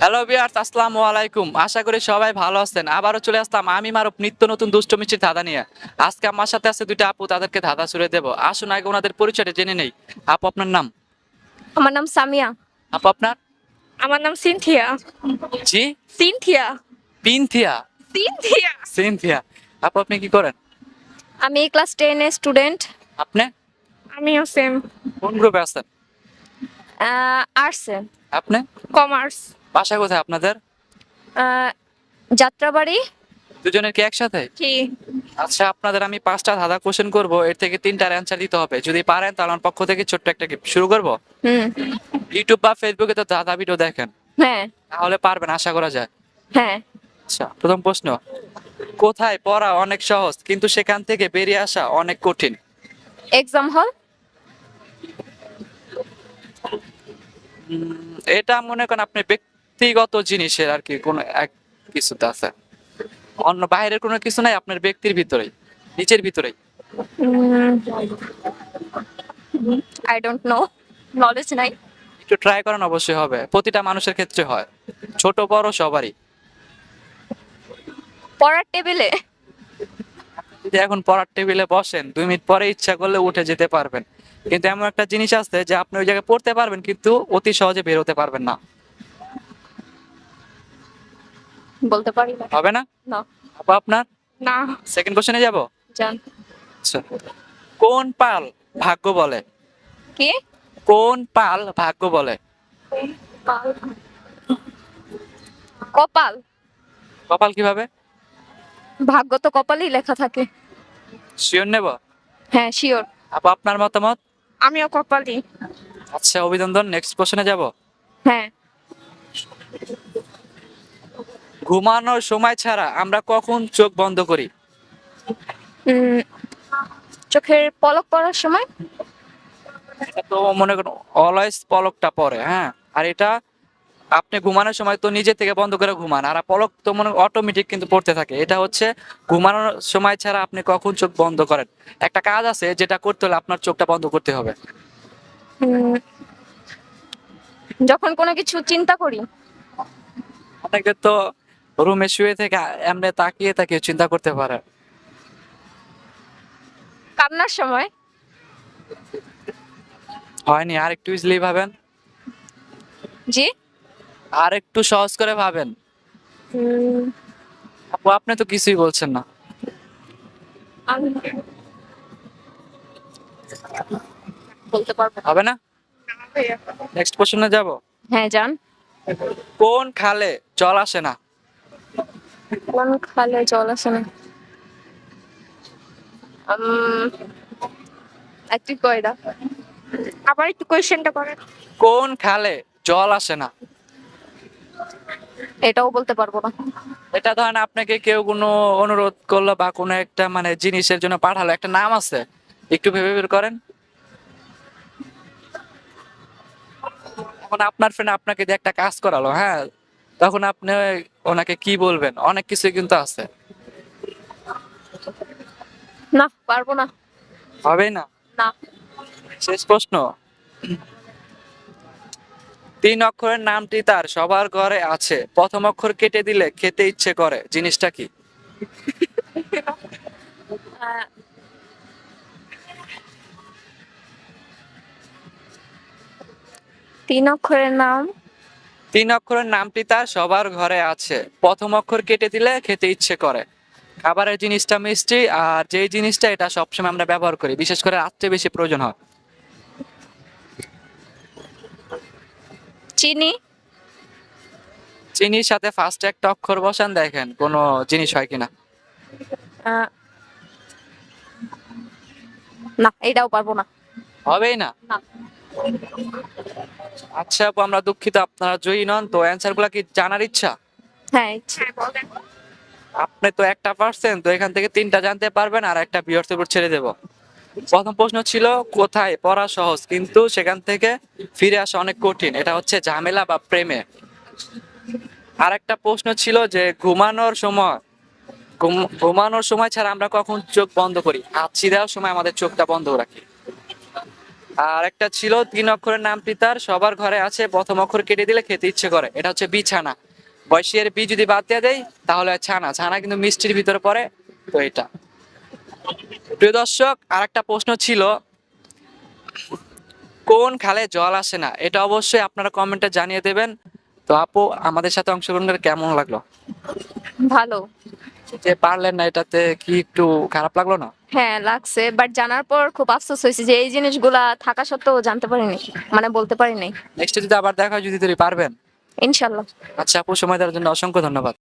Hello viewers, আসসালামু আলাইকুম। আশা করি সবাই ভালো আছেন। আবারও চলে আসলাম আমি মারুফ নিত্য নতুন দুষ্ট মিষ্টির ধাঁধা নিয়ে। আজকে আমার সাথে আছে দুইটা আপু, তাদেরকে ধাঁধা ছুড়ে দেবো। আসুন আগে ওনাদের পরিচয়টা জেনে নেই। আপু, আপনার নাম? আমার নাম সামিয়া। আপু, আপনার? আমার নাম সিনথিয়া। জি? সিনথিয়া। পিনথিয়া? সিনথিয়া। সিনথিয়া? আপু, আপনি কি করেন? আমি ক্লাস 10 এর স্টুডেন্ট। আপনি আমিও সেম। কোন গ্রুপে আছেন? আর্টসে। আপনি? কমার্স। বাসা কোথায় আপনাদের? যাত্রাবাড়ি। দুজনের কি একসাথে? কি? আচ্ছা, আপনাদের আমি 5টা ধাঁধা কোশ্চেন করবো, এর থেকে 3টার অ্যান্সার দিতে হবে। যদি পারেন তাহলে আমার পক্ষ থেকে ছোট্ট একটা gift শুরু করবো। হুম। ইউটিউব বা ফেসবুকে তো ধাঁধা ভিডিও দেখেন, হ্যাঁ। তাহলে পারবেন আশা করা যায়। হ্যাঁ। আচ্ছা, প্রথম প্রশ্ন। কোথায় পড়া অনেক সহজ কিন্তু সেখান থেকে বেরিয়ে আসা অনেক কঠিন? এক্সাম হল। এটা মনে করেন আপনি ব্যক্তিগত জিনিসের আর কি কোনো এক কিছুতে আছে, অন্য বাইরের কোনো কিছু নাই, আপনার ব্যক্তির ভিতরেই, নিচের ভিতরেই। আই ডোন্ট নো, নলেজ নাই। একটু ট্রাই করেন, অবশ্যই হবে। প্রতিটা মানুষের ক্ষেত্রে হয়, ছোট বড় সবারই। পড়ার টেবিলে। যদি এখন পড়ার টেবিলে বসেন, 2 মিনিট পরে ইচ্ছা করলে উঠে যেতে পারবেন, কিন্তু এমন একটা জিনিস আছে যে আপনি ওই জায়গায় পড়তে পারবেন কিন্তু অতি সহজে বের হতে পারবেন না। বলতে পারি না। হবে না? না। আপু, আপনার? না। সেকেন্ড কোশ্চেনে যাব। জান। আচ্ছা, কোন পাল ভাগ্য বলে? কি? কোন পাল ভাগ্য বলে? কপাল। কপাল কিভাবে? ভাগ্য তো কপালেই লেখা থাকে। শিওর নেব? হ্যাঁ, শিওর। আপু, আপনার মতামত? আমিও কপালই। আচ্ছা, অভিনন্দন। নেক্সট কোশ্চেনে যাব। হ্যাঁ। ঘুমানোর সময় ছাড়া আমরা কখন চোখ বন্ধ করি? উম, চোখের পলক পড়ার সময়। এটা তো মনে করুন অলওয়েজ পলকটা পড়ে, হ্যাঁ। আর এটা আপনি ঘুমানোর সময় তো নিজে থেকে বন্ধ করে ঘুমান, আর পলক তো মনে অটোমেটিক কিন্তু পড়তে থাকে। এটা হচ্ছে ঘুমানোর সময় ছাড়া আপনি কখন চোখ বন্ধ করেন। একটা কাজ আছে যেটা করতে হলে আপনার চোখটা বন্ধ করতে হবে। উম, যখন কোনো কিছু চিন্তা করি। অনেকে তো রুমে শুয়ে থেকে এমনি তাকিয়ে তাকিয়ে চিন্তা করতে পারে। কান্নার সময়। হয়নি, আর একটু ইজিলি ভাবেন, জি। আর একটু সহজ করে ভাবেন। উম, আপু, আপনি তো কিছুই বলছেন না। আমি বলতে পারবো না। হবে না? ভাইয়া। নেক্সট কোশ্চেনে যাব। হ্যাঁ, যান। কোন খালে জল আসে না? কোন খালে জল আসে না? উম, একটু কয়টা, আবার একটু কোয়েশ্চেনটা করেন। কোন খালে জল আসে না? এটাও বলতে পারবো না। এটা ধরেন আপনাকে কেউ কোনো অনুরোধ করলো বা কোনো একটা মানে জিনিসের জন্য পাঠালো, একটা নাম আছে, একটু ভেবে বের করেন। এখন আপনার ফ্রেন্ড আপনাকে দিয়ে একটা কাজ করালো, হ্যাঁ, তখন আপনি ওনাকে কি বলবেন? অনেক কিছু কিন্তু আছে। না, পারবো না। হবে না? না। শেষ প্রশ্ন। 3 অক্ষরের নামটি তার সবার ঘরে আছে, প্রথম অক্ষর কেটে দিলে খেতে ইচ্ছে করে, জিনিসটা কি? আহ, 3 অক্ষরের নাম। 3 অক্ষরের নামটি তার সবার ঘরে আছে, প্রথম অক্ষর কেটে দিলে খেতে ইচ্ছে করে। খাবারের জিনিসটা মিষ্টি, আর যেই জিনিসটা এটা সবসময় আমরা ব্যবহার করি, বিশেষ করে রাত্রে বেশি প্রয়োজন হয়। চিনি। চিনির সাথে ফার্স্টে একটা অক্ষর বসান, দেখেন কোনো জিনিস হয় কিনা। আহ, না, এটাও পারবো না। হবেই না? না। আচ্ছা আপু, আমরা দুঃখিত, আপনারা জয়ী নন। তো অ্যান্সার গুলা কি জানার ইচ্ছা? হ্যাঁ, ইচ্ছে। বলেন। আপনি তো একটা পারছেন, তো এখান থেকে 3টা জানতে পারবেন, আর একটা ভিউয়ার্সের উপর ছেড়ে দেব। প্রথম প্রশ্ন ছিল কোথায় পড়া সহজ কিন্তু সেখান থেকে ফিরে আসা অনেক কঠিন, এটা হচ্ছে ঝামেলা বা প্রেমে। আর একটা প্রশ্ন ছিল যে ঘুমানোর সময় ছাড়া আমরা কখন চোখ বন্ধ করি, হাঁচি দেওয়ার সময় আমাদের চোখটা বন্ধ রাখি। আর একটা ছিল 3 অক্ষরের নাম পিতার সবার ঘরে আছে, প্রথম অক্ষর কেটে দিলে খেতে ইচ্ছে করে, এটা হচ্ছে বিছানা। বয়সের বি যদি বাদ দিয়ে দেয় তাহলে হয় ছানা, ছানা কিন্তু মিষ্টির ভিতরে পড়ে। তো এটা, প্রিয় দর্শক, আর একটা প্রশ্ন ছিল, কোন খালে জল আসে না? এটা অবশ্যই আপনারা কমেন্টে জানিয়ে দেবেন। তো আপু, আমাদের সাথে অংশগ্রহণ করে কেমন লাগলো? ভালো। যে পারলেন না, এটাতে কি একটু খারাপ লাগলো না? হ্যাঁ লাগছে, বাট জানার পর খুব আফসোস হয়েছে যে এই জিনিসগুলা থাকা সত্ত্বেও জানতে পারিনি, মানে বলতে পারিনি। নেক্সট যদি আবার দেখা হয়, যদি পারবেন। ইনশাল্লাহ। আচ্ছা আপু, সময় দেওয়ার জন্য অসংখ্য ধন্যবাদ।